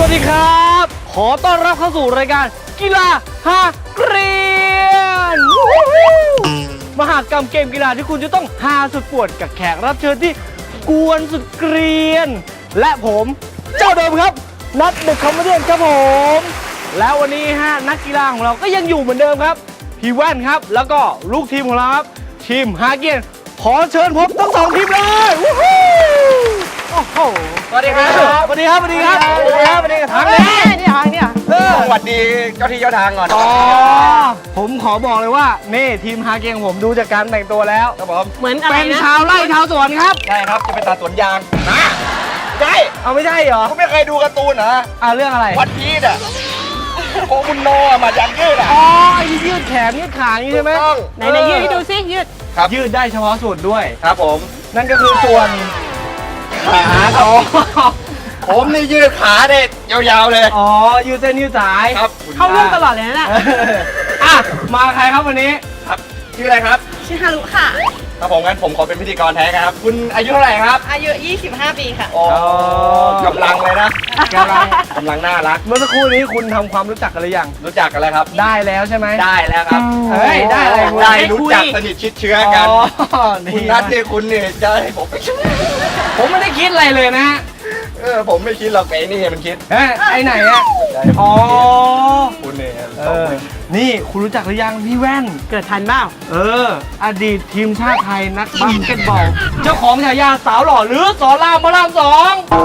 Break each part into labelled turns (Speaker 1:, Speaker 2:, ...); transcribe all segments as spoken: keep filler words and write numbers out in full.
Speaker 1: วัสดีครับขอต้อนรับเข้าสู่รายการกีฬาฮาเกรียนมหากรรมเกมกีฬาที่คุณจะต้องฮาสุดปวดกับแขกรับเชิญที่กวนสุดเกรียนและผมเจ้าเดิมครับนัทเดอะคอมเมดี้ครับผมแล้ววันนี้ฮะนักกีฬาของเราก็ยังอยู่เหมือนเดิมครับพี่แว่นครับแล้วก็ลูกทีมของเราครับทีมฮาเกียนขอเชิญพบทั้งสองทีมเลยวู้ฮู้โอ้โหสวัสดีครับสวัสดีครับสวัสดีครับสวัสดีครับสวัสดีครับทางนี้นี่ทางเนี่ย
Speaker 2: สวัสดีเจ้าที่เจ้าทางก่อน
Speaker 1: อ๋อผมขอบอกเลยว่านี่ทีมฮาเกียนของผมดูจากการแต่งตัวแล้ว
Speaker 2: ครับผม
Speaker 3: เหมือนอะไร
Speaker 1: เป็น
Speaker 3: นะ
Speaker 1: ชาวไร่ชาวสวนครับ
Speaker 2: ใช่ครับจะไปตัดสวนยางนะใช่
Speaker 1: เอาไม่ใช่เหรอ
Speaker 2: คุณไม่เคยดูการ์ตูนเหรอ
Speaker 1: อ่าเรื่องอะไร
Speaker 2: วันพีซอ่ะโคมุนโนะมาจากยืดอ่ะ
Speaker 1: อ๋อไอ้ที่ยืดแขนยืดขาอย่างนี้ใช่ไหม
Speaker 2: ถูกต้อง
Speaker 3: ไหนไหนยืดให้ดูซิยืด
Speaker 2: ครับ
Speaker 1: ยืดได้เฉพาะส่วนด้วย
Speaker 2: ครับผม
Speaker 1: นั่นก็คือส่วนขาอ๋อ
Speaker 2: ผมนี่ยืดขาได้ยาวๆเลย
Speaker 1: อ๋อยืดเส้นยืดสาย
Speaker 2: ครับ
Speaker 3: เข้าร่วมตลอดเลยนะน่ะ
Speaker 1: เอออ่ะมาใครครับวันนี้
Speaker 2: ครับชื่ออะไรครับ
Speaker 3: ชื่อฮารุค่ะ
Speaker 2: ครับผมงั้นผมขอเป็นพิธีกรแทนครับ คุณอายุเท่าไหร่ครับ
Speaker 3: อายุยี่สิบห้าปีค่ะ
Speaker 2: อ๋อกำลังเลยนะ
Speaker 1: กำลัง
Speaker 2: กำลังน่ารัก
Speaker 1: เมื่อสักครู่นี้คุณทำความรู้จักกันหรือยัง
Speaker 2: รู้จักกันแล้วครับ
Speaker 1: ได้แล้วใช่ไหม
Speaker 2: ได้แล้วครับ
Speaker 1: เฮ้ยได้อะไรคุณ
Speaker 2: ได้รู้จักสนิทชิดเชื้อกัน
Speaker 1: อ๋อ
Speaker 2: คุณนัทเนี่ยคุณเนี่ยจะให้ผมไม่ช่วย
Speaker 1: ผมไม่ได้คิดอะไรเลยนะฮะ
Speaker 2: เออผมไม่คิดหรอกไอ้นี่มันคิด
Speaker 1: เอ้ยไอ้ไหนอะอ๋อ
Speaker 2: คุณเนี่ย
Speaker 1: เออนี่คุณรู้จักหรือยังพี่แว่น
Speaker 3: เกิดทันเปล่า
Speaker 1: เออ อดีตทีมชาติไทยนักบาสเกตบอล เจ้าของฉายาสาวหล่อหรือสอนรามพระรามสอง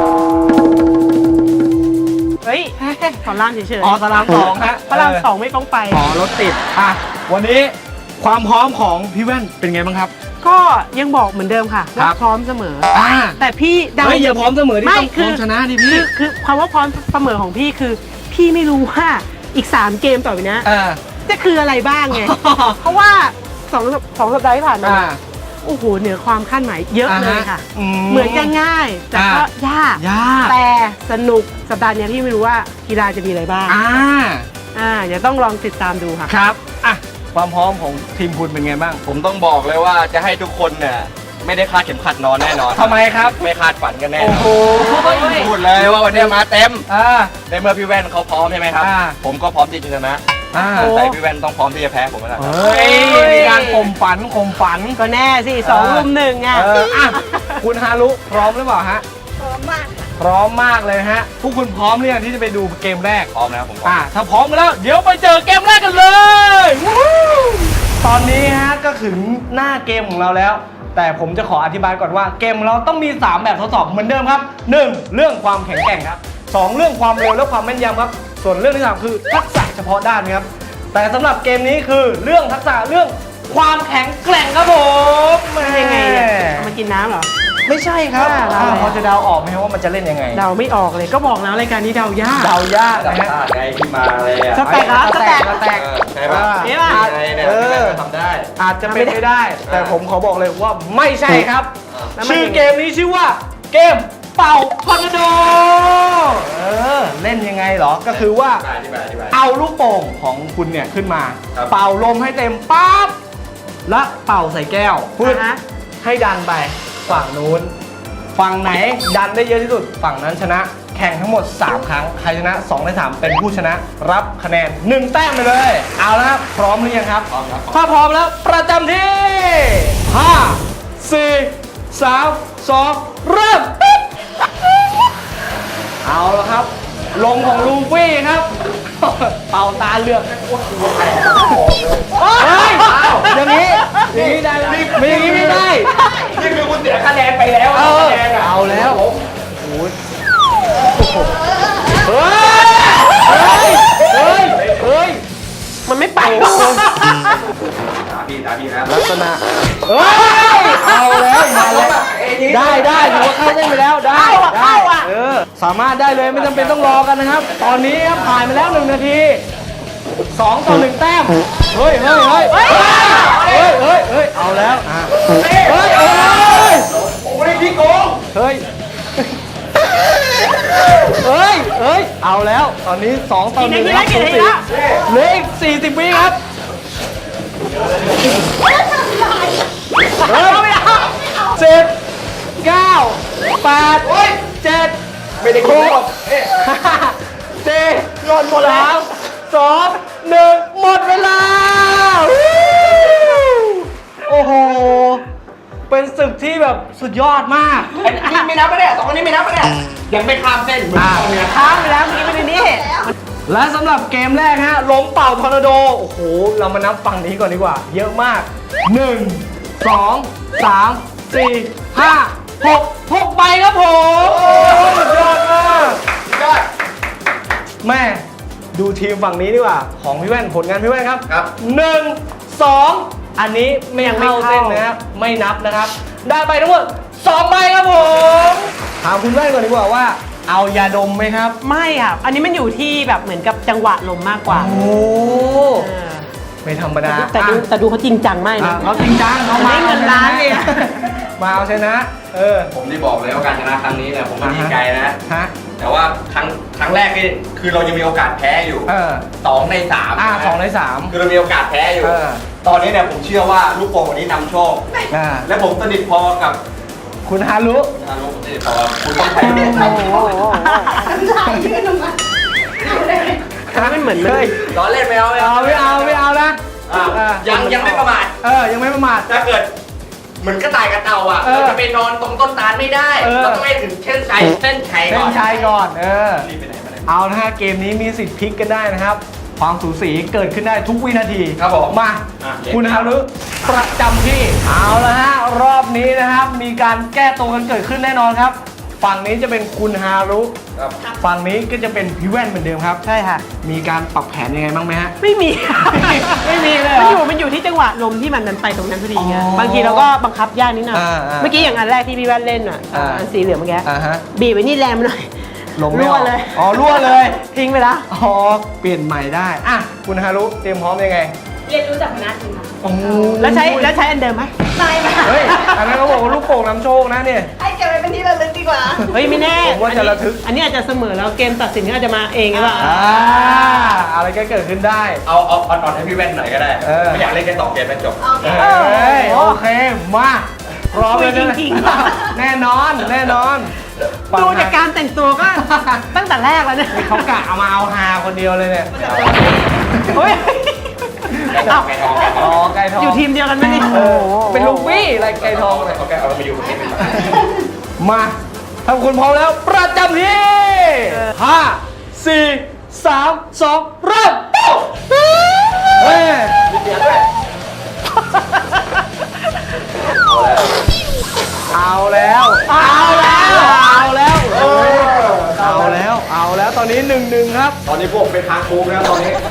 Speaker 3: เฮ้ยขอล่างเฉยๆ
Speaker 1: อ๋อสอนรามสองฮะ
Speaker 3: พระรามสองไม่ต้องไป
Speaker 1: อ๋อรถติดอ่ะวันนี้ความพร้อมของพี่แว่นเป็นไงบ้างครับ
Speaker 3: ก็ยังบอกเหมือนเดิมค่ะ
Speaker 1: ครั
Speaker 3: ว่า
Speaker 1: บ
Speaker 3: พร้อมเสมอ
Speaker 1: อ่า
Speaker 3: แต่พี่เดา
Speaker 1: เฮ้ยอย่าพร้อมเสมอที่
Speaker 3: ไม่
Speaker 1: ต้องพ
Speaker 3: คื
Speaker 1: ร้อ
Speaker 3: อ
Speaker 1: มชนะดิ
Speaker 3: คื
Speaker 1: พี่
Speaker 3: อคือความว่าพร้อมเสมอของพี่คือ พี่ไม่รู้ว่าอีกสามเกมต่อไปนี้
Speaker 1: เออ
Speaker 3: จะคืออะไรบ้างไง เพราะว่าสองสองสัปดาห์ที่ผ่านมา
Speaker 1: อ่า
Speaker 3: โอ้โหเหนือความคาดหมายเยอะเลยค่ะ
Speaker 1: อื
Speaker 3: เหมือนจะง่ายแต่ก็
Speaker 1: อ่ะ
Speaker 3: ยาก
Speaker 1: ยาก
Speaker 3: แต่สนุกสัปดาห์นี้พี่ไม่รู้ว่ากีฬาจะมีอะไรบ้าง
Speaker 1: อ่า
Speaker 3: อ่าเดี๋ยวต้องลองติดตามดูค่ะ
Speaker 1: ครับอ่ะความพร้อมของทีมคุณเป็นไงบ้าง
Speaker 2: ผมต้องบอกเลยว่าจะให้ทุกคนเนี่ยไม่ได้คาดเข็มขัดนอนแน่นอน
Speaker 1: ทำไมครับ
Speaker 2: ไม่คาดฝันกันแน่น
Speaker 1: โอ้
Speaker 2: อน
Speaker 1: โห
Speaker 2: พูดเลยว่าวันนี้มาเต็ม
Speaker 1: อ่า
Speaker 2: ในเมื่อพี่แว่นเขาพร้อมใช่ไหมครับ
Speaker 1: อ่า
Speaker 2: ผมก็พร้อมที่จะชนะ
Speaker 1: อ่า
Speaker 3: โอ้
Speaker 2: แต่พี่แว่นต้องพร้อมที่จะแพ้ผมแล้วครับ
Speaker 1: เฮ้ยมีการข่มฝันข่มฝัน
Speaker 3: ก็แน่สิสองรุมหนึ่งไง
Speaker 1: เอออ่ะคุณฮารุพร้อมหรือเปล่าฮะ
Speaker 3: พร้อมมาก
Speaker 1: พร้อมมากเลยฮะทุกคุณพร้อมหรือยังที่จะไปดูเกมแรก
Speaker 2: พร้อมนะครับผมพร้อ
Speaker 1: อ่ะ
Speaker 2: ม
Speaker 1: ถ้าพร้อมกันแล้วเดี๋ยวไปเจอเกมแรกกันเลยวู้ฮู้ตอนนี้ฮะก็ถึงหน้าเกมของเราแล้ว แต่ผมจะขออธิบายก่อนว่าเกมของเราต้องมีสามแบบทดสอบเหมือนเดิมครับหนึ่งเรื่องความแข็งแกร่งครับสองเรื่องความเร็วและความแม่นยำครับส่วนเรื่องที่สามคือทักษะเฉพาะด้านครับแต่สำหรับเกมนี้คือเรื่องทักษะเรื่องความแข็งแกร่งครับผม
Speaker 3: ยังไงเนี่ยเอามากินน้ำเหรอ
Speaker 1: ไม่ใช่ครับ
Speaker 3: อ่า
Speaker 1: อ่าพอจะเดาออกไหมครับว่ามันจะเล่นยังไง
Speaker 3: เดาไม่ออกเลยก็บอกแล้วรายการนี้เดายาก
Speaker 1: เดายาก
Speaker 2: ดั
Speaker 1: นะ
Speaker 2: บ
Speaker 1: ฮะ
Speaker 2: ชาติไงที่มาเลยอ่ะ
Speaker 3: สแต็กเหรอ
Speaker 1: สแต็กสแต็ก
Speaker 2: เออใช่ป่ะ
Speaker 3: เอ๊ะป่ะ
Speaker 2: ไงเนี่ย
Speaker 1: เออ
Speaker 2: พี่แว่นก็ทำได้
Speaker 1: อาจจะเป็นไปได้ แต่ผมขอบอกเลยว่าไม่ใช่ครับ
Speaker 3: แล้วมัน
Speaker 1: ชื่อ
Speaker 3: ยังไง
Speaker 1: เกมนี้ชื่อว่าเกมเป่าทอร์นาโดเออเล่นยังไงเหรอ ก็คือว่า
Speaker 2: อธิบายอธิบาย
Speaker 1: เอาลูกโป่งของคุณเนี่ยขึ้นมา
Speaker 2: ครับ
Speaker 1: เป่าลมให้เต็มปั๊บแล้วเป่าใส่แก้วพูด
Speaker 3: อ่าฮะ
Speaker 1: ให้ดันไปฝั่งนู้น ฝั่งไหนดันได้เยอะที่สุด ฝั่งนั้นชนะ แข่งทั้งหมด สาม ครั้ง ใครชนะสองในสามเป็นผู้ชนะ รับคะแนนหนึ่งแต้มไปเลย เอาละครับ พร้อมหรือยังครับ
Speaker 2: พร้อมครับ
Speaker 1: ถ้าพร้อมแล้วประจำที่ห้า สี่ สาม สอง เริ่ม เอาละครับ ลงของลูฟี่ครับ เป่าตาเลือกเฮ้ยอย่างนี้อย่างนี้ได้ไหมไม่อย่างนี้ไม่ได้
Speaker 2: นี่คือคุณเสียคะแนนไปแล้ว
Speaker 1: เออ
Speaker 2: คะแนนอะ
Speaker 1: เอาแล้ว
Speaker 2: ผม
Speaker 1: เฮ้ย เฮ้ย เฮ้ย
Speaker 3: มันไม่ไป
Speaker 2: ตาพี่ตาพี่นะ
Speaker 1: ลักษณะเฮ้ย เอาแล้วมาแล้วได้ได้ถือว่าเข้าเส้นไปแล้ว ได้
Speaker 3: เข้าอะ
Speaker 1: ได้
Speaker 3: เข้าอะ
Speaker 1: เออ สามารถได้เลยไม่จำเป็นต้องรอกันนะครับ ตอนนี้ครับผ่านไปแล้วหนึ่งนาทีสองต่อหนึ่งแต้ม เฮ้ยเฮ้ยเฮ้ยเฮ้ยเฮ้ยเฮ้ยเฮ้ยเอาแล้วอ่ะเฮ้ยเฮ้ยเฮ้ย
Speaker 2: ผมไม่ได้พี่โกง
Speaker 1: เฮ้ย เฮ้ย เฮ้ย เอาแล้ว ตอนนี้สองต่อหนึ่งครับ
Speaker 3: กี่นาทีแล้ว
Speaker 1: เหลืออีกสี่สิบวิครับ เฮ้ยสิบเก้าแปดเจ็ด
Speaker 2: ไม่ได้โกง
Speaker 1: ห้าก่อนหมดแล้วสองหนึ่งหมดเวลาโอ้โหเป็นศึกที่แบบสุดยอดมาก
Speaker 2: ไอ้นี่ไม่นับไม่ได้สองคนนี้ไม่นับไม่ได้ยังไม่ข้ามเส้นเหมือนตอนเนี้ย
Speaker 3: ค้างไปแล้วเมื่อกี้ไม่ได้นี่
Speaker 1: และสำหรับเกมแรกฮะล้มเป่าทอร์นาโดโอ้โหเรามานับฝั่งนี้ก่อนดีกว่า เยอะมากหนึ่ง สอง สาม สี่ ห้า หก หกใบครับผมโอ้สุดยอดมาก
Speaker 2: ยอด
Speaker 1: แม่ดูทีมฝั่งนี้ดีกว่าของพี่แว่นผลงานพี่แว่นครับ
Speaker 2: ครับ
Speaker 1: หนึ่ง สอง อันนี้ไม่เข้าเส้นนะครับไม่นับนะครับ ได้ไปทั้งหมดสองใบครับผมถามคุณแว่นก่อนดีกว่าว่า เอายาดมไหมครับ
Speaker 3: ไม่ค่ะอันนี้มันอยู่ที่แบบเหมือนกับจังหวะลมมากกว่า
Speaker 1: โอ้
Speaker 3: เออ
Speaker 1: ไม่ธรรมดา
Speaker 3: แต่ดูแต่ดูเขาจริงจังมาก
Speaker 1: อ่ะ
Speaker 3: นะ
Speaker 1: เขาจริงจังเขามา
Speaker 3: ได้เงินล้านเลยอะ
Speaker 1: มาเอาชนะ เออ
Speaker 2: ผมที่บอกเลยว่าการชนะครั้งนี้เนี่ยผมก็ดีใจนะ
Speaker 1: ฮะ
Speaker 2: แต่ว่าครั้งครั้งแรกนี่คือเรายังมีโอกาสแพ้อยู่
Speaker 1: เออ
Speaker 2: สองในสาม
Speaker 1: อ่า
Speaker 2: นะ
Speaker 1: สองในสาม
Speaker 2: คือเรามีโอกาสแพ้อยู่
Speaker 1: เออ
Speaker 2: ตอนนี้เนี่ยผมเชื่อว่าลูกโป่งวันนี้นำโชค
Speaker 1: อ่า
Speaker 2: และผมสนิทพอกับ
Speaker 1: คุณฮารุ
Speaker 2: อารุผมสนิทพอกับคุณต้องใช้
Speaker 3: โอ้โหมันเหมือนมัน
Speaker 1: เฮ้ย
Speaker 2: ล้อเล่นไม่เอาไม่
Speaker 1: เอาไม่เอาไม่เอานะ
Speaker 2: อ่ะ
Speaker 1: อ่ะ
Speaker 2: ยังยังไม่ประมาท
Speaker 1: เออ ยังไม่ประมาท
Speaker 2: ถ้าเกิดเหมือนกระต่ายกระเต่าอ่ะ
Speaker 1: เออ
Speaker 2: เราจะไปนอนตรงต้นตาลไม่ได้
Speaker 1: เออ
Speaker 2: เราต้องให้ถึงเส้นชัยเส้นชัย
Speaker 1: เส้
Speaker 2: ก่
Speaker 1: น
Speaker 2: อน
Speaker 1: ชัยก่อน เออ
Speaker 2: รีบไปไหนมาไหน
Speaker 1: เอานะฮะเกมนี้มีสิทธิ์พลิกกันได้นะครับ ความสูสีเกิดขึ้นได้ทุกวินาที
Speaker 2: ครับผม
Speaker 1: มา
Speaker 2: อ่ะ
Speaker 1: คุณฮารุประจำที่ เอาละฮะ รอบนี้นะครับ มีการแก้ตัวกันเกิดขึ้นแน่นอนครับ ฝั่งนี้จะเป็นคุณฮารุ
Speaker 2: ครับ
Speaker 1: ฝั่งนี้ก็จะเป็นพี่แว่นเหมือนเดิมครับ
Speaker 3: ใช่ค่ะ
Speaker 1: มีการปรับแผนยังไงบ้างไหมฮะ
Speaker 3: ไม่มี
Speaker 1: ไม่มีเลยเหร
Speaker 3: มัน
Speaker 1: อ
Speaker 3: อยู่มันอยู่ที่จังหวะลมที่มันดันไปตรงนั้นพอดีไง
Speaker 1: อ๋อ
Speaker 3: บางทีเราก็บังคับยากนิดหน่อย
Speaker 1: อ่าอ่า
Speaker 3: เมื่อกี้อย่างอันแรกที่พี่แว่นเล่นอ่ะ
Speaker 1: อ่า
Speaker 3: อันสีเหลืองเมื่อกี้
Speaker 1: อ่าฮะ
Speaker 3: บีบไว้นี่แรงไปหน่อย
Speaker 1: ลมไม่
Speaker 3: รั่
Speaker 1: อ
Speaker 3: ว
Speaker 1: อก
Speaker 3: เลย
Speaker 1: อ๋อรั่วเลย
Speaker 3: ทิ้งไปแล้ว
Speaker 1: อ๋อ เปลี่ยนใหม่ได้ อ่ะ คุณฮารุเตรียมพร้อมยังไง
Speaker 4: เรียนรู้จากหัวหน้าทีมค่ะ
Speaker 1: โอ้
Speaker 3: แล้วใช้แล้วใช้อันเดิมไหม
Speaker 4: ไม่ค่ะ
Speaker 1: เฮ้ย อันนั้นเขาบอกว่าลูกโป่งนำโชคนะเนี่ย
Speaker 4: ให้เก็บไว้เป็นที่ระลึกดีกว่า
Speaker 3: เฮ้ยไม่แน่
Speaker 1: ผมว่าจะระทึก
Speaker 3: อันนี้อาจจะเสมอแล้วเกมตัดสินก็อาจจะมาเองหรือเปล่า
Speaker 1: อ่า อะไรก็เกิดขึ้นได้
Speaker 2: เอาเอาอ่อนๆให้พี่แว่นหน่อยก็ได้
Speaker 1: เออ
Speaker 2: ไม่อยากเล่นแค่สองเกมเป็นจบ
Speaker 4: โอเค
Speaker 1: เอ้ย โอเค มาพร้อมเลย
Speaker 3: คุยจริงๆ
Speaker 1: แน่นอน แน่นอน
Speaker 3: ดูจากการแต่งตัวก็ ตั้งแต่แรกแล้วเนี่ย
Speaker 1: เขากะเอามาเอาฮาคนเดียวเลยเนี่ย
Speaker 3: เฮ้ย
Speaker 2: ไก่ทองไก่ทองไก่ท
Speaker 1: อ๋
Speaker 2: อ
Speaker 1: อง ไก่ทอง
Speaker 3: อยู่ทีมเดียวกันไหมนี่
Speaker 1: เออเป็นลูกวี่อะไรไก่ทองเนี่ย
Speaker 2: เอาไก่เอามาอยู่คนนี้เป็น
Speaker 1: มาถ้าคุณพร้อมแล้ว ประจำที่ห้าสี่สามสองเริ่มเฮ้ย
Speaker 2: เสียด้วย
Speaker 1: เอาแล้ว เอาแล้ว เอาแล้วเออเอาแล้ว เอาแล้ว ตอนนี้หนึ่งหนึ่งครับ
Speaker 2: ตอนนี้พวกเป็นทางโค้งแล้วตอนนี้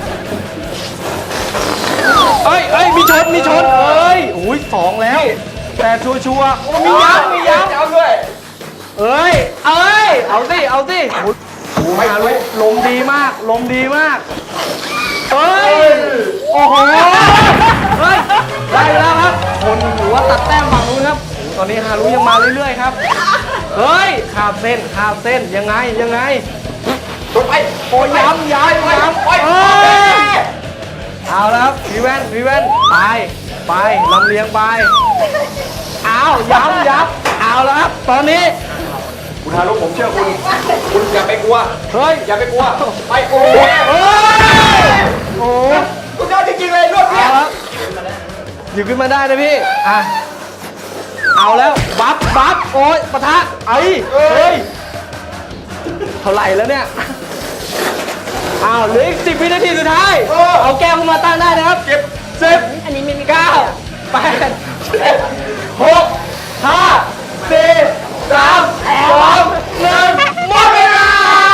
Speaker 1: เอ้ยเอ้ย มีชน มีชน เอ้ยโอ้ยสองแล้ว แต่ชัวชัวร์ๆโอ้มีย้ำมีย้ำ
Speaker 2: ย้ำด้วย
Speaker 1: เอ้ย เอ้ย เอาสิ เอาสิโอ้ยโอ้ยลมลมดีมาก ลมดีมาก เอ้ย โอ้โห เฮ้ย ได้แล้วครับ คนหรือว่าตัดแต้มฝั่งนู้นครับโอ้โหตอนนี้ฮารุยังมาเรื่อยๆครับ เฮ้ยข้ามเส้นข้ามเส้น ยังไง ยังไง
Speaker 2: ชนไป
Speaker 1: โอ้ยย้ำย้ำย้ำ
Speaker 2: โอ้ย
Speaker 1: เอ้ย เอาแล้วครับพี่แว่นพี่แว่นไป ไปลำเลียงไป เอาย้ำย้ำเอาแล้วครับ ตอนนี้
Speaker 2: คุณฮารุผมเชื่อคุณ คุณอย่าไปกลัว
Speaker 1: เฮ้ย
Speaker 2: อย่าไปกลัว ไปโอ้
Speaker 1: โอ้
Speaker 2: ย
Speaker 1: ยโอ้ย
Speaker 2: คุณยอดจริงๆเลยรวด
Speaker 1: เอา
Speaker 2: เดียว
Speaker 1: แล้วหยิบขึ้นมาได้นะพี่ อ่ะ เอาแล้วบัฟบัฟโอ้ยปะทะไอ้เฮ้ย เท่าไหร่แล้วเนี่ย อ้าวเหลืออีกสิบวินาทีสุดท้าย เอาแก้วขึ้นมาตั้งได้นะครับ เก็บสิบ
Speaker 3: อันนี้ไม่มี
Speaker 1: เก้าแปดเจ็ดหกห้าสี่สามสองหนึ่งหมดเวลา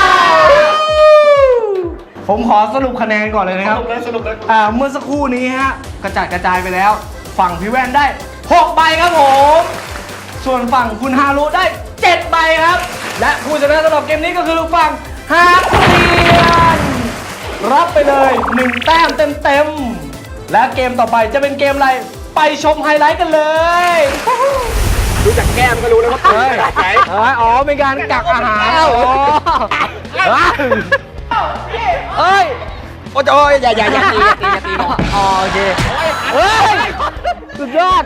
Speaker 1: ผมขอสรุปคะแนนก่อนเลยนะครับ
Speaker 2: สนุกเลยสนุกเลย
Speaker 1: อ่าเมื่อสักครู่นี้ฮะกระจัดกระจายไปแล้ว ฝั่งพี่แว่นได้หกใบครับผม ส่วนฝั่งคุณฮารุได้เจ็ดใบครับ และผู้ชนะสำหรับเกมนี้ก็คือฝั่งฮาเรียน รับไปเลยหนึ่งแต้มเต็มๆ และเกมต่อไปจะเป็นเกมอะไร ไปชมไฮไลท์กันเลย
Speaker 2: ดูจากแก้มก็รู้แล้วว่า
Speaker 1: เฮ้ย
Speaker 2: ไหน
Speaker 1: เอ้ยอ๋อเป็นการกักอาหารอ๋อเอ้ย
Speaker 2: โอ้ยโอ้ยอย่าอย่าอย่าตีอย่าตีอย่าตีน้อง
Speaker 1: อ๋อโอเค เฮ้ย สุดยอด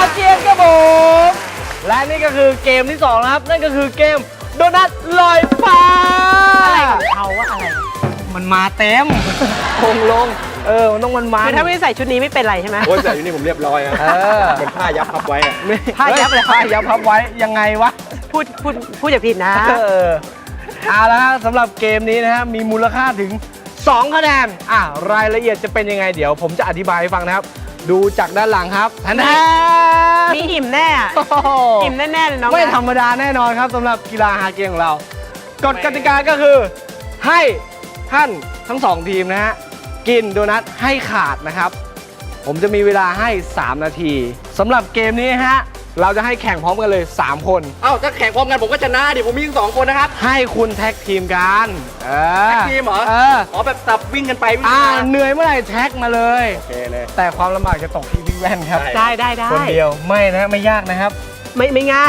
Speaker 1: เกียนครับผมและนี่ก็คือเกมที่สองนะครับนั่นก็คือเกมโดนัทลอยฟ้า
Speaker 3: อะไรของเขาว่าอะไร
Speaker 1: มันมาเต็มคงลงเออมันต้องมันมา
Speaker 3: คือถ้าไม่ใส่ชุดนี้ไม่เป็นไรใช่ไหม
Speaker 2: โอ้ยแต่อยู่นี่ผมเรียบร้อยนะ
Speaker 1: เออ
Speaker 2: เหมือนผ้ายับพับไว้อะ
Speaker 1: ไม่
Speaker 3: ผ้ายับเลย
Speaker 1: ผ้ายับพับไว้ยังไงวะ
Speaker 3: พูดพูดพูดอย่าผิดนะ
Speaker 1: เออเอาละฮะสำหรับเกมนี้นะฮะมีมูลค่าถึงสองคะแนนอ่ะรายละเอียดจะเป็นยังไงเดี๋ยวผมจะอธิบายให้ฟังนะครับ ดูจากด้านหลังครับแทนแทน
Speaker 3: มีอิ่มแน่อะ
Speaker 1: โอ้โห
Speaker 3: อิ่มแน่ๆเลยน้อง
Speaker 1: ไม่
Speaker 3: นะ
Speaker 1: ธรรมดาแน่นอนครับสำหรับกีฬาฮาเกมของเรากฎกติกาก็คือให้ท่านทั้งสองทีมนะฮะกินโดนัทให้ขาดนะครับ ผมจะมีเวลาให้ สาม นาทีสำหรับเกมนี้ฮะเราจะให้แข่งพร้อมกันเลย สาม คน
Speaker 2: เอ้าถ้าแข่งพร้อมกันผมก็ชนะดิผมมีทั้งสองคนนะครับ
Speaker 1: ให้คุณแท็กทีมกันเออ
Speaker 2: แท็กทีมเหรอ
Speaker 1: เออ
Speaker 2: อ๋อแบบสับวิ่งกันไปวิ่ง
Speaker 1: อ่า
Speaker 2: กันมา
Speaker 1: เหนื่อยเมื่อไหร่แท็กมาเลย
Speaker 2: โอเคเลย
Speaker 1: แต่ความลำบากจะตกที่พี่แว่นครับ
Speaker 2: ได้
Speaker 3: ได้ได้ได้
Speaker 1: คนเดียวไม่นะไม่ยากนะครับ
Speaker 3: ไม่ไม่ง่าย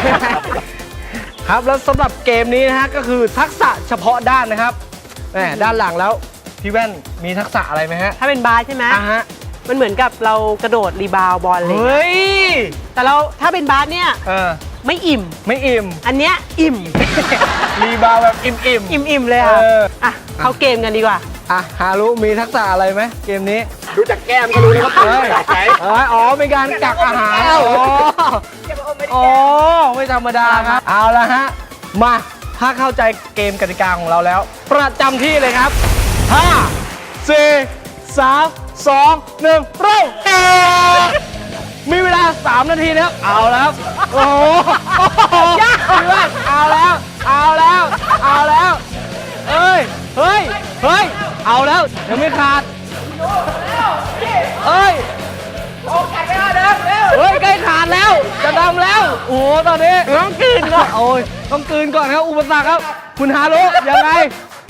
Speaker 1: ครับแล้วสำหรับเกมนี้นะฮะก็คือทักษะเฉพาะด้านนะครับแหมด้านหลังแล้วพี่แว่นมีทักษะอะไรไหมฮะ
Speaker 3: ถ้าเป็นบาสใช่ไหม
Speaker 1: อ่ะฮะ
Speaker 3: มันเหมือนกับเรากระโดดรีบาวด์บอลเลย
Speaker 1: เฮ้ย
Speaker 3: แต่เราถ้าเป็นบาสเนี่ย
Speaker 1: เออ
Speaker 3: ไม่อิ่ม
Speaker 1: ไม่อิ่ม
Speaker 3: อันเนี้ยอิ่ม
Speaker 1: รีบาวแบบอิ่มอิ่ม
Speaker 3: อิ่มอิ่มเลยค่ะ
Speaker 1: เออ
Speaker 3: อ่ะเข้าเกมกันดีกว่า
Speaker 1: อ่ะฮารุมีทักษะอะไรไหมเกมนี้
Speaker 2: ดูจากแก้มก็รู้เลยว่า
Speaker 1: เฮ้ย
Speaker 2: ใส่
Speaker 1: เอ้ยอ๋อเป็นการกักอาหารอ๋ออ๋อไม่ธรรมดาครับ เอาละฮะ มาถ้าเข้าใจเกมกติกาของเราแล้ว ประจำที่เลยครับห้า สี่ สาม สอง หนึ่งเริ่มมีเวลา สาม นาทีนะครับ เอาแล้วครับ โอ้โหยากมากเอาแล้ว เอาแล้ว เอาแล้ว เอ้ย เฮ้ย เฮ้ย เอาแล้ว ยังไม่ขาด เอ้ยเฮ้ยใกล้ขาดแล้ว จะดำแล้ว โอ้โห ตอนนี้ต้องกลืนก่อน โอ้ย ต้องกลืนก่อนครับ อุปสรรคครับ คุณฮารุยังไง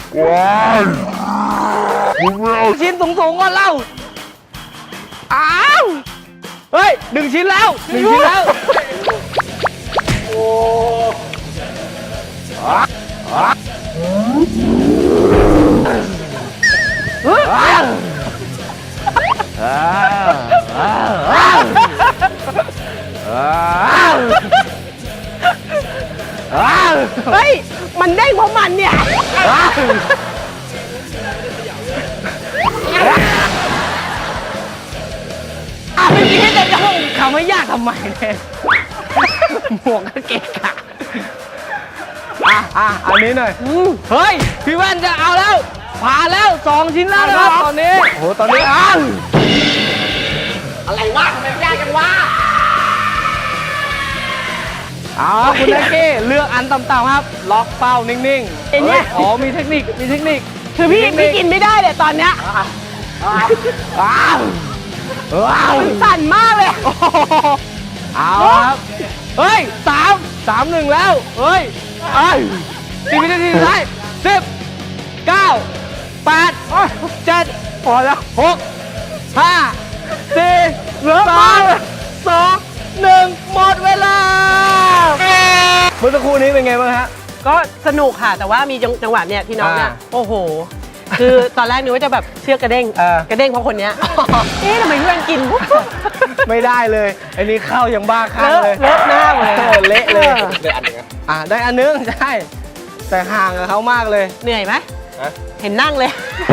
Speaker 1: ชิ้นสูงๆก่อนเล่า อ้าว เฮ้ยหนึ่งชิ้นแล้วหนึ่งชิ้นแล้ว โอ้
Speaker 3: เฮ้ย มันเด้งเพราะมันเนี่ย
Speaker 1: อ่ะไม่คิดจะจะคำว่ายากทำไมเนี่ยหมวกก็เกะกะอ่ะอ่ะอันนี้หน่อยเฮ้ย พี่แว่นจะเอาแล้ว ผ่านแล้วสองชิ้นแล้วนะครับตอนนี้ โอ้โห ตอนนี้อ้าว
Speaker 2: อะไรวะทำไมมันยากจังวะ
Speaker 1: เอาครับคุณแม็กกี้เลือกอันต่ำๆครับ ล็อกเป้านิ่งๆ
Speaker 3: ไอ้เนี่ย
Speaker 1: ฮ้อ๋อ มีเทคนิค มีเทคนิค
Speaker 3: คือพี่พี่กินไม่ได้เลยตอนเนี้ย
Speaker 1: ว้าวว้าว
Speaker 3: มันสั่นมากเลย
Speaker 1: โอ้โหเอาครับ เฮ้ยสามสามหนึ่งแล้ว เฮ้ยเอ้ยสิบวินาทีสุดท้ายสิบเก้าแปดเจ็ดพอแล้วหกห้าสี่สามสองหนึ่งหมดเวลาเมื่อสักครู่นี้เป็นไงบ้างฮะ
Speaker 3: ก็สนุกค่ะ แต่ว่ามีจังหวะเนี่ยที่น้องเนี่ย
Speaker 1: อ่า
Speaker 3: โอ้โห คือตอนแรกนึกว่าจะแบบเชือกกระเด้ง
Speaker 1: เออ
Speaker 3: กระเด้งเพราะคนเนี้ย เอ๊ะทำไมเพื่อนกิน
Speaker 1: ไม่ได้เลยอันนี้เข้ายังบ้าคลั่ง
Speaker 3: เลอะ
Speaker 1: เลย
Speaker 3: เลอะหน้าหมดเลย
Speaker 1: ออเละเลย
Speaker 3: ออ
Speaker 2: เดี๋ยวอันหนึ่งอะ
Speaker 1: อ่ะได้อันนึงใช่แต่ห่างกับเขามากเลย
Speaker 3: เหนื่อยไหม
Speaker 2: ฮะ
Speaker 3: เห็นนั่งเลย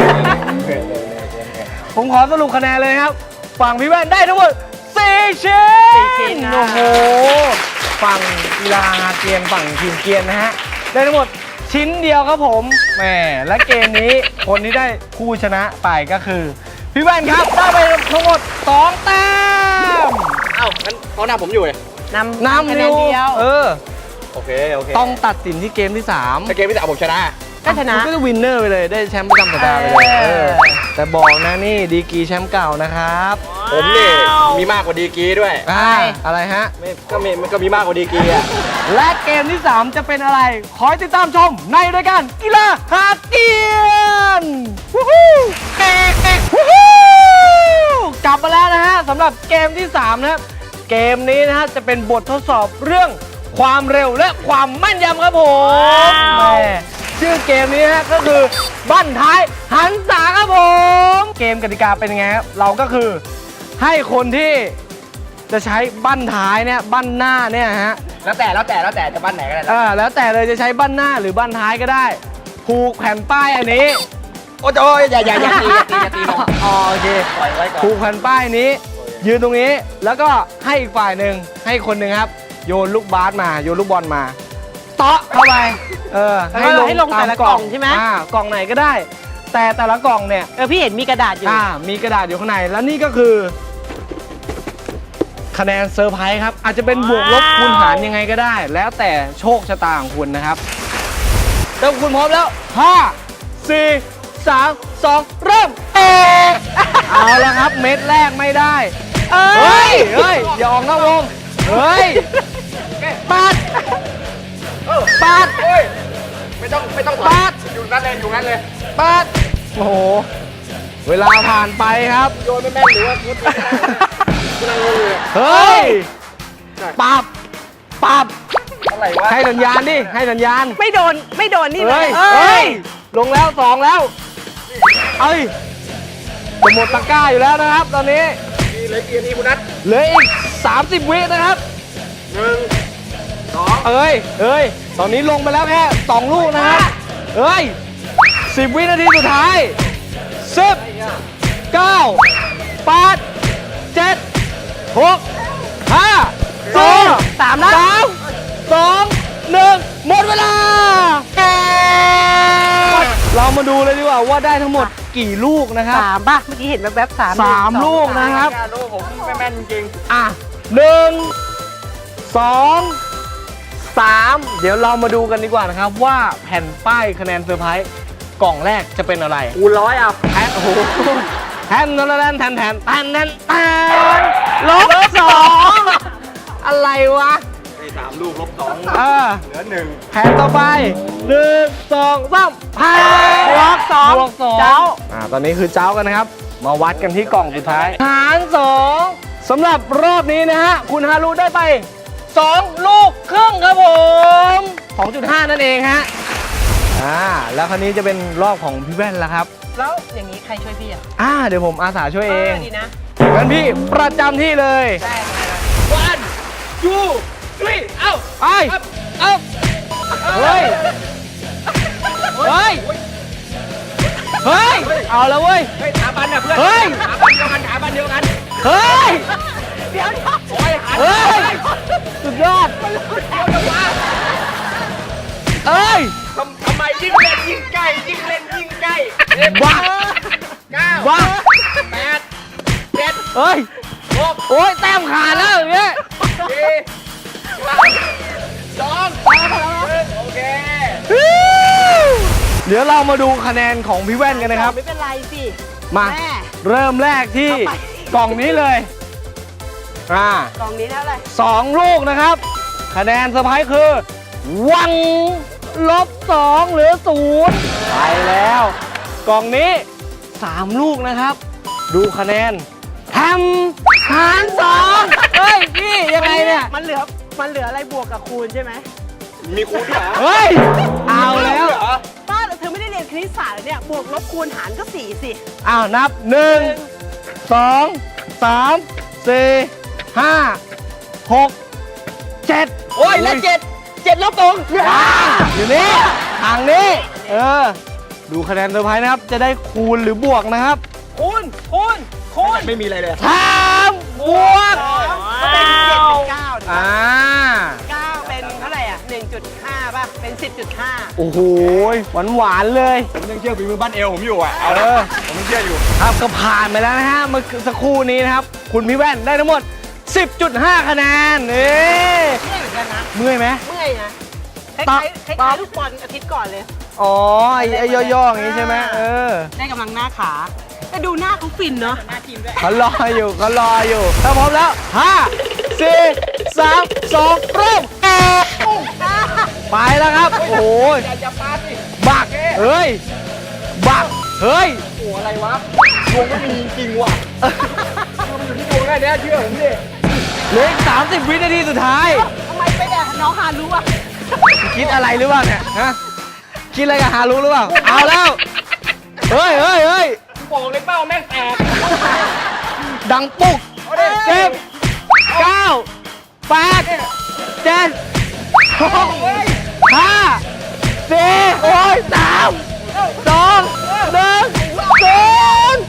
Speaker 1: ผมขอสรุปคะแนนเลยครับ ฝั่งพี่แว่นได้ทั้งหมดสี่ชิ้น
Speaker 3: สี่ชิ้นนะ
Speaker 1: โอ้โห ฝั่งกีฬาเกียนฝั่งทีมเกียนนะฮะ ได้ทั้งหมดชิ้นเดียวครับผมแหมและเกมนี้คนที่ได้ผู้ชนะไปก็คือ พี่แว่นครับ ได้ไปทั้งหมดสองแต้ม
Speaker 2: เอ้างั้นเขาหน้าผมอยู่เลย
Speaker 3: นำ
Speaker 1: นำ
Speaker 3: คะ
Speaker 1: อ
Speaker 3: แนน
Speaker 1: ยู่
Speaker 3: เดียว
Speaker 1: เออ
Speaker 2: โอเค โอเค
Speaker 1: ต้องตัดสินที่เกมที่สาม
Speaker 2: ถ้าเกมที่สามผมชนะ
Speaker 3: ก็ชนะ
Speaker 1: ก็จะวินเนอร์ไปเลยได้แชมป์ประจำสัปดาห์ไปเลย
Speaker 3: เออ
Speaker 1: เออแต่บอกนะนี่ดีกรีแชมป์เก่านะครับ
Speaker 2: ผมนี่มีมากกว่าดีกรีด้วย
Speaker 1: อ่าอะไรฮะ
Speaker 2: ไม่ก็มีมันก็มีมากกว่าดีกรีอะ
Speaker 1: และเกมที่ สาม จะเป็นอะไร ขอให้ติดตามชมในรายการกีฬาหาเกียนวู้ฮู้วู้ฮู้กลับมาแล้วนะฮะสำหรับเกมที่ สาม นะครับเกมนี้นะฮะจะเป็นบททดสอบเรื่องความเร็วและความแม่นยำครับผมแหม่ชื่อเกมนี้นะฮะก็คือบั้นท้ายหันษาครับผม เกมกติกาเป็นยังไงครับเราก็คือให้คนที่จะใช้บั้นท้ายเนี่ยบั้นหน้าเนี่ยฮะ
Speaker 2: แล้วแต่แล้วแต่แล้วแต่จะบ้านไหนก็ได้
Speaker 1: เออแล้วแต่เลยจะใช้บั้นหน้าหรือบั้นท้ายก็ได้ ผูกแผ่นป้ายอันนี้
Speaker 2: โอ้ยอย่าอย่าอย่าตีอย่าตีอย่าตีลง
Speaker 1: อ๋อโอเค
Speaker 2: ปล่อยไว้ก่อน
Speaker 1: ผูกแผ่นป้ายนี้ ยืนตรงนี้แล้วก็ให้อีกฝ่ายหนึ่งให้คนหนึ่งครับ โยนลูกบาสมาโยนลูกบอลมาเตาะเข้าไปเออ
Speaker 3: แล้วก็ให้ลงแต่ละกล่องใช่ไหม
Speaker 1: อ่ากล่องไหนก็ได้ แต่แต่ละกล่องเนี่ย
Speaker 3: เออพี่เห็นมีกระดาษอยู่
Speaker 1: อ่ามีกระดาษอยู่ข้างในแล้วนี่ก็คือ คะแนนเซอร์ไพรส์ครับ อาจจะเป็นบวกลบคูณหารยังไงก็ได้ แล้วแต่โชคชะตาของคุณนะครับถ้าคุณพร้อมแล้วห้า สี่ สาม สอง เริ่มเอะเอาละครับเม็ดแรกไม่ได้
Speaker 3: เอ้
Speaker 1: เฮ้
Speaker 3: ย
Speaker 1: ยเฮ้ยอย่าออกนอกวงเฮ้ยปัดปัด
Speaker 2: โอ้ยไม่ต้องไม่ต้อง
Speaker 1: ปาด
Speaker 2: อยู่นั่นเลยอยู่นั่นเลย
Speaker 1: ปัดโอ้โหเวลาผ่านไปครับ
Speaker 2: โยนไม่แม่นหรือว่าพุทธไม่ได้กำลังงงเลย
Speaker 1: เฮ้ยปับปับ
Speaker 2: อะไรวะ
Speaker 1: ให้สัญญาณดิให้สัญญาณ
Speaker 3: ไม่โดนไม่โดนนี่
Speaker 1: เฮ้ย
Speaker 3: เอ้
Speaker 1: เฮ้
Speaker 3: ย
Speaker 1: ย ลงแล้วสองแล้ว เอ้ย จะหมดตะกร้าอยู่แล้วนะครับ ตอนนี้
Speaker 2: มีเหลยกี่นาทีคุณนัท
Speaker 1: เหลืออีก สามสิบ วินะครับ
Speaker 2: หนึ่งสอง
Speaker 1: เอ้ยเอ้ย ตอนนี้ลงไปแล้วแค่สองลูกนะครับ เอ้ย สิบ วินาทีสุดท้าย สิบ เก้า แปด เจ็ด หก ห้า สี่
Speaker 3: สามแล้ว
Speaker 1: สาม สอง หนึ่ง หมดเวลา เรามาดูเลยดีกว่าว่าได้ทั้งหมดกี่ลูกนะครับ
Speaker 3: สามป่ะ เมื่อกี้เห็นแวบๆสาม
Speaker 1: สามลูกนะครับ
Speaker 2: การรู้ผมไม่แม่นจริง
Speaker 1: อ่ะหนึ่งสองสามเดี๋ยวเรามาดูกันดีกว่านะครับว่าแผ่นป้ายคะแนนเซอร์ไพรส์กล่องแรกจะเป็นอะไร
Speaker 2: คูณร้อยอ่ะ
Speaker 1: แทนโอ้โหแทนแทนแทนแทนแทนแทนแทนแทนลบสองอะไรวะ
Speaker 2: ไอ้สามลูกลบสอง
Speaker 1: เออ
Speaker 2: เหลือหนึ่ง
Speaker 1: แผ่นต่อไปหนึ่งสองสามแผ่น
Speaker 3: บวกสอง
Speaker 1: บวกสอง
Speaker 3: เจ้า
Speaker 1: อ่าตอนนี้คือเจ้ากันนะครับ มาวัดกันที่กล่องสุดท้ายหารสองสำหรับรอบนี้นะฮะ คุณฮารุได้ไป สอง ลูกครึ่งครับผม สองจุดห้า นั่นเองฮะ อ่า แล้วคราวนี้จะเป็นรอบของพี่แว่นแล้วครับ
Speaker 3: แล้วอย่างนี้ใครช่วยพี่อ่ะ
Speaker 1: อ่า เดี๋ยวผมอาสาช่วยเอง
Speaker 3: ดีนะ
Speaker 1: งั้นพี่ประจำที่เลย
Speaker 3: ได้
Speaker 2: วันจูทรีเอ้า
Speaker 1: ไป เอ้า เฮ้ย เฮ้ย เฮ้ย เอาแล้วเว้ย
Speaker 2: เฮ้ยขาบันอ่ะเพื่อน
Speaker 1: เฮ้ย
Speaker 2: ขาบันเดียวกันขาบันเดียวกัน
Speaker 1: เฮ้ย
Speaker 3: เดี๋ยว
Speaker 2: โอ้ยหัน
Speaker 1: เฮ้ย สุดยอด
Speaker 2: เดียวจะวะ
Speaker 1: เอ้ย
Speaker 2: ทำทำไมยิ่งเล่นยิ่งใกล้ยิ่งเล่นยิ่งใกล้
Speaker 1: บ้า
Speaker 2: เก้า
Speaker 1: บ้า
Speaker 2: แปดเจ็ด
Speaker 1: เฮ้ย
Speaker 2: หก
Speaker 1: โอ้ยแต้มขาดแล้วอย่างเงี้ย
Speaker 2: สี่สามสองหนึ่งโอเค
Speaker 1: เดี๋ยวเรามาดูคะแนนของพี่แว่นกันนะครับ
Speaker 3: ไม่เป็นไรสิ
Speaker 1: มา
Speaker 3: แม่
Speaker 1: เริ่มแรกที่
Speaker 3: เอาไป
Speaker 1: กล่องนี้เลย อ่า
Speaker 3: กล่องนี้เท่าไหร่
Speaker 1: สองลูกนะครับ คะแนนเซอร์ไพรส์คือ วังลบสองเหลือศูนย์ไปแล้ว กล่องนี้สามลูกนะครับ ดูคะแนนทำหารสองเฮ้ยพี่ยังไงเนี่ย
Speaker 3: มันเหลือ มันเหลืออะไรบวกกับคูณใช่ไหม
Speaker 2: มีคูณด้วยเหรอ
Speaker 1: เฮ้ย เอาแล้ว
Speaker 2: เหรอ
Speaker 3: ป้าเธอไม่ได้เรียนคณิตศาสตร์เหรอเนี่ย บวกลบคูณหารก็สี่สิ
Speaker 1: อ้าว นับหนึ่งสองสามสี่ห้าหกเจ็ด
Speaker 2: โอ้ยและเจ็ดเจ็ดลบสอง
Speaker 1: อยู่นี่ทางนี้ เออ ดูคะแนนเซอร์ไพรส์นะครับ จะได้คูณหรือบวกนะครับ
Speaker 2: คูณคูณคูณไม่มีอะไรเลย
Speaker 1: สามบวก
Speaker 3: ก็เป็นเจ็ดเป็นเก้า
Speaker 1: อ่า
Speaker 3: เก้าเป็นเท่าไหร่อ่ะหนึ่งจุดห้าป่ะ เป็นสิบจุดห้า
Speaker 1: โอ้โหหวานหวานๆเลย
Speaker 2: ผมยังเชื่อฝีมือบ้านเอวผมอยู่อ่ะ เอา
Speaker 1: เอ
Speaker 2: ละ
Speaker 1: อ
Speaker 2: ผมยังเชื่ออยู่
Speaker 1: ครับก็ผ่านไปแล้วนะฮะเมื่อสักครู่นี้นะครับ คุณพี่แว่นได้ทั้งหมด สิบจุดห้า คะแนนนี่
Speaker 3: เมื่อยเหมือนกันนะ
Speaker 1: เมื่อยไหม
Speaker 3: เมื่อยนะค
Speaker 1: ต
Speaker 3: ล้า
Speaker 1: อบ
Speaker 3: ยๆคล้ายๆลูกบอลอาทิตย์ก่อนเลย
Speaker 1: อ๋อ ไอ้ไอ้ย่อๆอย่างนี้ใช่ไหมเออ
Speaker 3: ได้กำลังหน้าขา แต่ดูหน้าเขาฟินเนาะหน้าทีมด้วย
Speaker 1: เขารออยู่เขารออยู่ถ้าพร้อมแล้วห้าสี่สามสองเริ่มไปแล้วครับ โอ้ย
Speaker 2: อย่าอย่าปาสิ
Speaker 1: บัก เฮ้ย บัก เฮ้ย
Speaker 2: โอ้อะไรวะดวงไม่มีจริงว่ะมันอยู่ที่ดวงได้เนี่ยเชื่อผมดิ
Speaker 1: เหลืออีกสามสิบวินาทีสุดท้าย
Speaker 3: ทำไมไปแต่น้องฮารู้อ่ะ
Speaker 1: คิดอะไรหรือเปล่าเนี่ยฮะคิดอะไรกับฮารุหรือเปล่า เอาแล้ว เฮ้ยเฮ้ยเฮ้ย
Speaker 2: บอกเลยเป้าแม่งแตก
Speaker 1: ดังปุ๊ก
Speaker 2: เอาดิ
Speaker 1: เก็บ
Speaker 2: เ
Speaker 1: เก้าแปดเจ็ดหกห้าสี่โอ้ยสามสองหนึ่งศูนย์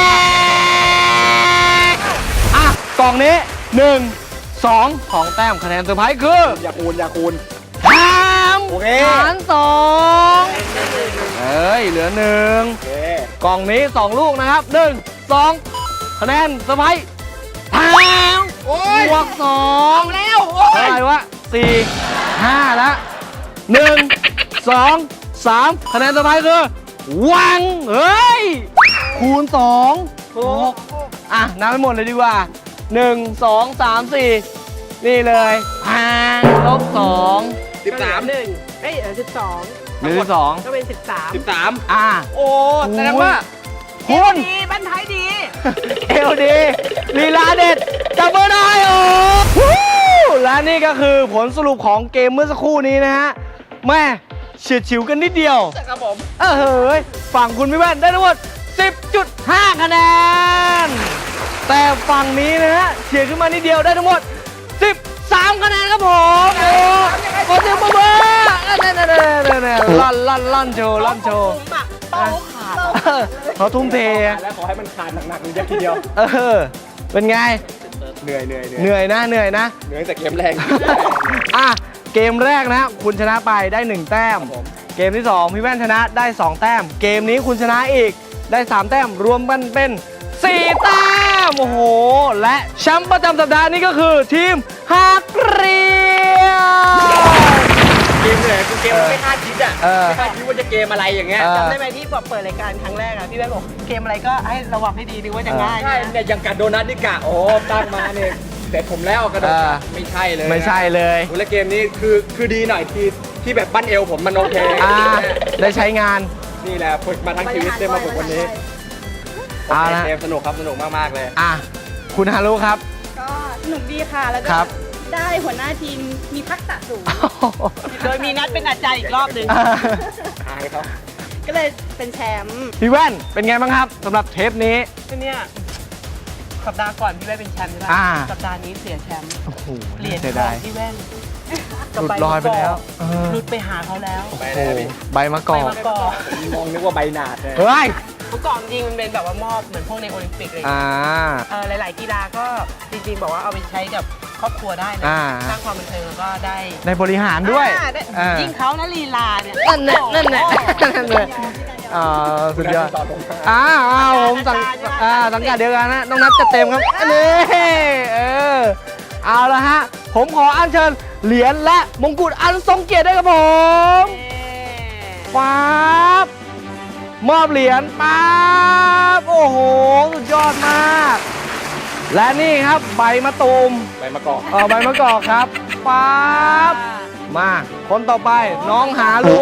Speaker 1: อ่ะกล่องนี้หนึ่งสองของแต้มคะแนนเซอร์ไพรส์คือ
Speaker 2: อย่าคูณอย่าคูณ
Speaker 1: สาม
Speaker 2: โอเค
Speaker 1: หารสองเอ้ย เหลือหนึ่ง
Speaker 2: โอเค
Speaker 1: กล่องนี้สองลูกนะครับหนึ่งสองคะแนนเซอร์ไพรส์สาม
Speaker 2: โอ้ย
Speaker 1: บวกสองแล้วเท่าไหร่วะสี่ห้าแล้วหนึ่งสองสามคะแนนเซอร์ไพรส์คือวังเฮ้ย คูณสองหกอ่ะนับไปหมดเลยดีกว่าหนึ่งสองสามสี่นี่เลยพังลบสอง
Speaker 2: สิบสาม
Speaker 3: หนึ่งเอ้ยสิบสอง
Speaker 1: หรือสอง
Speaker 3: ก็เป็นสิบสาม
Speaker 2: สิบสาม
Speaker 1: อ่ะ
Speaker 2: โอ้แสดงว่า
Speaker 1: คุณ
Speaker 3: ดีบ้านไทยดี
Speaker 1: เอลดีลีลาเด็ดจับมือได้โอ้ฮู้และนี่ก็คือผลสรุปของเกมเมื่อสักครู่นี้นะฮะแม่เฉียดฉิวกันนิดเดียว
Speaker 2: ครับผม
Speaker 1: เออเฮ้ยฝั่งคุณพี่แว่นได้ทั้งหมด สิบจุดห้า คะแนน แต่ฝั่งนี้นะฮะเฉียดขึ้นมานิดเดียวได้ทั้งหมด สิบสาม คะแนนครับผมโอ้ขอเสียงปรบมือเนี่ยๆๆๆลั่นลั่นลั่นโชว์ลั่นโชว์
Speaker 3: เป้าขาด
Speaker 1: เออเขาทุ่มเท
Speaker 2: แล้วขอให้มันขาดหนักๆเยอะทีเดียว
Speaker 1: เออเป็นไง
Speaker 2: เหนื่อยเหนื่อย
Speaker 1: เหนื่อยนะเหนื่อยนะ
Speaker 2: เหนื่อยแต่เกมแรง
Speaker 1: อ่ะเกมแรกนะคุณชนะไปได้หนึ่งแต้ม
Speaker 2: ครับผม
Speaker 1: เกมที่สองพี่แว่นชนะได้สองแต้ม เกมนี้คุณชนะอีกได้สามแต้มรวมกันเป็นสี่แต้มโอ้โหและแชมป์ประจำสัปดาห์นี้ก็คือทีมฮาเกรียน
Speaker 2: เกมเหนื่อยคือเกมเราไม่คาดคิดอ่ะ
Speaker 1: เออ
Speaker 2: ไม่คาดคิดว่าจะเกมอะไรอย่างเงี้ย
Speaker 1: เออ
Speaker 3: จำได้ไหมที่บอกเปิดรายการครั้งแรกอะพี่แว่นบอกเกมอะไรก็ให้ระวังให้ดีนึกว่าจะง่าย
Speaker 2: ใช่เนี่ยอย่างกัดโดนัทนี่กะโอ้ตั้งมาเนี่ยเสร็จผมแล้วกระโดด
Speaker 1: เออ
Speaker 2: ไม่ใช่เลย
Speaker 1: ไม่ใช่เลย
Speaker 2: โอ้แล้วเกมนี้คือคือดีหน่อยที่ที่แบบปั้นเอวผมมันโอเค
Speaker 1: อ่าได้ใช้งาน
Speaker 2: นี่แหละฝึกมาทั้งชีวิตได้มาฝึกวันนี้
Speaker 1: เอาละ
Speaker 2: เกมสนุกครับสนุกมากๆเลย
Speaker 1: อ่ะคุณฮารุครับ
Speaker 4: ก็สนุกดีค่ะ แล้วก็
Speaker 1: ครับ
Speaker 4: ได้หัวหน้าทีมมีทักษะสูง
Speaker 3: โดยมีนัดเป็นอาจารย์อีกรอบหนึ่ง
Speaker 1: อ่ะ
Speaker 2: อายเขา
Speaker 4: ก็เลยเป็นแชมป์
Speaker 1: พี่แว่นเป็นไงบ้างครับสำหรับเทปนี้
Speaker 3: เนี่ยสัปดาห์ก่อนพี่แว่นเป็นแชมป์ใช่ไหม
Speaker 1: อ่า
Speaker 3: สัปดาห์นี้เสียแชมป์
Speaker 1: โอ้โห
Speaker 3: เหรียญ
Speaker 1: เสีย
Speaker 3: ทอ
Speaker 1: ดาง ย
Speaker 3: พี่แว่น
Speaker 1: หลุดลอยไปแล้วเออ
Speaker 3: หลุดไปหาเขาแล้ว
Speaker 2: ไป
Speaker 1: โอ้
Speaker 2: แล้ว
Speaker 1: โห
Speaker 2: พี่
Speaker 1: ใบมะก
Speaker 3: ไป
Speaker 1: อก
Speaker 3: มาก่อน
Speaker 2: มองนึกว่าใบหนาดเลย
Speaker 1: เฮ้ย
Speaker 3: เมื่อก่อนจริงมันเป็นแบบว่ามอบเหมือนพวกในโอลิมปิกอะไรอย่าง
Speaker 1: อ่า
Speaker 3: เงี้ยเออหลาย ๆ กีฬาก็จริง ๆ บอกว่าเอาไปใช้กับครอบครัวได้นะ
Speaker 1: อ่า
Speaker 3: สร้างความบันเทิงแล้วก็ได้
Speaker 1: ในบริหารด้วย
Speaker 3: อ่าได้
Speaker 1: อ่า
Speaker 3: ยิ่งเขานะลีลาเนี่ย
Speaker 1: นั่นแหละนั่นแหละนั่นแหละอ่าสุดยอด
Speaker 2: ต่อตรงมา
Speaker 1: อ้าวอ้าวผมสังอ่าสังกัดเดียวกันนะน้องนัทจะเต็มครับนี่เออเอาละฮะ ผมขออัญเชิญเหรียญและมงกุฎอันทรงเกียรติด้วยครับผมป๊าบมอบเหรียญป๊าบโอ้โห สุดยอดมาก และนี่ครับใบมะตูม
Speaker 2: ใบมะกอก
Speaker 1: เออใบมะกอกครับป๊าบมา คนต่อไปน้องหาลู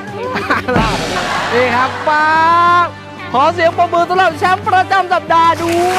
Speaker 1: นี่ครับป๊าบขอเสียงปรบมือสำหรับแชมป์ประจำสัปดาห์ด้วย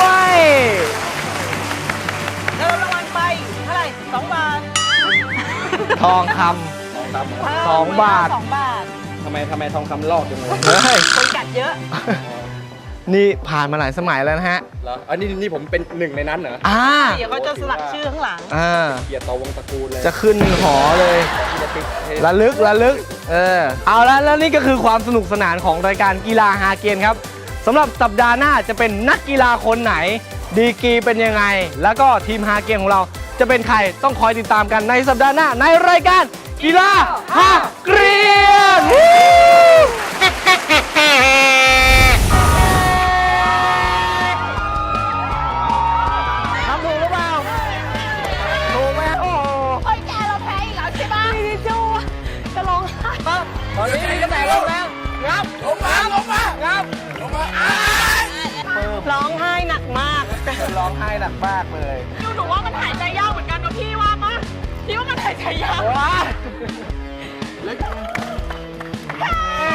Speaker 3: แล้วรางวัลไปเท่าไหร่สองบาท
Speaker 1: ทองค
Speaker 2: ทองค
Speaker 1: สองบาท
Speaker 3: สองบาท
Speaker 2: ำทำไมทำไมทองคำลอกจังเลย
Speaker 1: ำเฮ้ย
Speaker 3: คนกัดเยอะ
Speaker 1: นี่ผ่านมาหลายสมัยแล้วนะฮะ
Speaker 2: เหรออันนี้นี่ผมเป็นหนึ่งในนั้นเหรอ
Speaker 1: อ่า
Speaker 3: เดี๋ยวเขาจะสลักชื่อข้างหลัง
Speaker 1: อ่า
Speaker 2: เกียรติต่อวงตระกูลเลย
Speaker 1: จะขึ้นหอเลย
Speaker 2: ที่จะติดให้
Speaker 1: ระลึกระลึก เออ เอาละแล้วนี่ก็คือความสนุกสนานของรายการกีฬาฮาเกมครับสำหรับสัปดาห์หน้าจะเป็นนักกีฬาคนไหน ดีกรีเป็นยังไง แล้วก็ทีมฮาเกมของเราจะเป็นใครต้องคอยติดตามกันในสัปดาห์หน้าในรายการกีฬาฮาเกรียนวู้ทำถูกหรือเปล่าถูกไหมโอ้โห
Speaker 4: โอ้ยแกเราแพ้อีกแล้วใช่ปะพี่จูจะร้องไห้
Speaker 1: ตอนนี้มีกระแสลงแล้วงับลงมาลงมางับลงมาอ้าย
Speaker 3: ร้องไห้หนักมาก
Speaker 1: ร้องไห้หนักมากเลย
Speaker 3: ดูหนูว่ามันหายใจยากเหมือนกันนะพี่ว่าปะพี่ว่ามันหายใจยาก
Speaker 1: ว้า